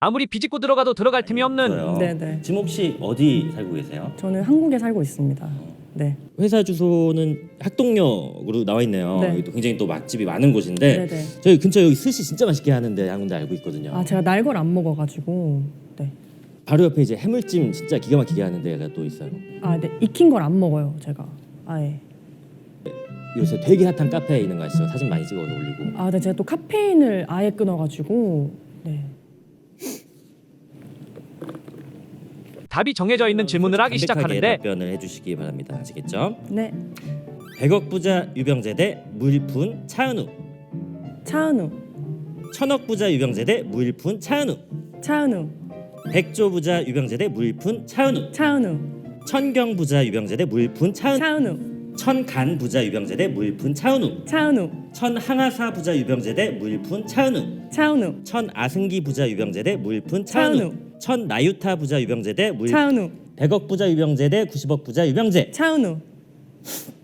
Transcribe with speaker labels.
Speaker 1: 아무리 비집고 들어가도 들어갈 틈이 없는.
Speaker 2: 없어요.
Speaker 3: 네네.
Speaker 2: 지금 혹시 어디 살고 계세요?
Speaker 3: 저는 한국에 살고 있습니다. 네.
Speaker 2: 회사 주소는 학동역으로 나와 있네요.
Speaker 3: 네.
Speaker 2: 여기도 굉장히 또 맛집이 많은 곳인데
Speaker 3: 네네.
Speaker 2: 저희 근처 여기 스시 진짜 맛있게 하는데 한 군데 알고 있거든요.
Speaker 3: 아 제가 날 걸 안 먹어가지고. 네.
Speaker 2: 바로 옆에 이제 해물찜 진짜 기가 막히게 하는 데가 또 있어요.
Speaker 3: 아 네. 익힌 걸 안 먹어요 제가. 아예.
Speaker 2: 요새 되게 핫한 카페에 있는 거 아시죠? 사진 많이 찍어서 올리고.
Speaker 3: 아 네. 제가 또 카페인을 아예 끊어가지고. 네.
Speaker 1: 답이 정해져 있는 질문을 하기
Speaker 2: 담백하게
Speaker 1: 시작하는데
Speaker 2: 답변을 해주시기 바랍니다. 아시겠죠?
Speaker 3: 네.
Speaker 2: 100억 부자 유병재 대 무일푼 차은우.
Speaker 3: 차은우.
Speaker 2: 1000억 부자 유병재 대 무일푼 차은우.
Speaker 3: 차은우.
Speaker 2: 100조 부자 유병재 대 무일푼 차은우.
Speaker 3: 차은우.
Speaker 2: 천경 부자 유병재 대 무일푼 차은우.
Speaker 3: 차은우.
Speaker 2: 천간 부자 유병재 대 무일푼 차은우.
Speaker 3: 차은우.
Speaker 2: 천항하사 부자 유병재 대 무일푼 차은우.
Speaker 3: 차은우.
Speaker 2: 천아승기 부자 유병재 대 무일푼 차은우.
Speaker 3: 차은우.
Speaker 2: 천나유타 부자 유병재 대 무일푼.
Speaker 3: 차은우.
Speaker 2: 100억 부자 유병재 대 90억 부자 유병재.
Speaker 3: 차은우.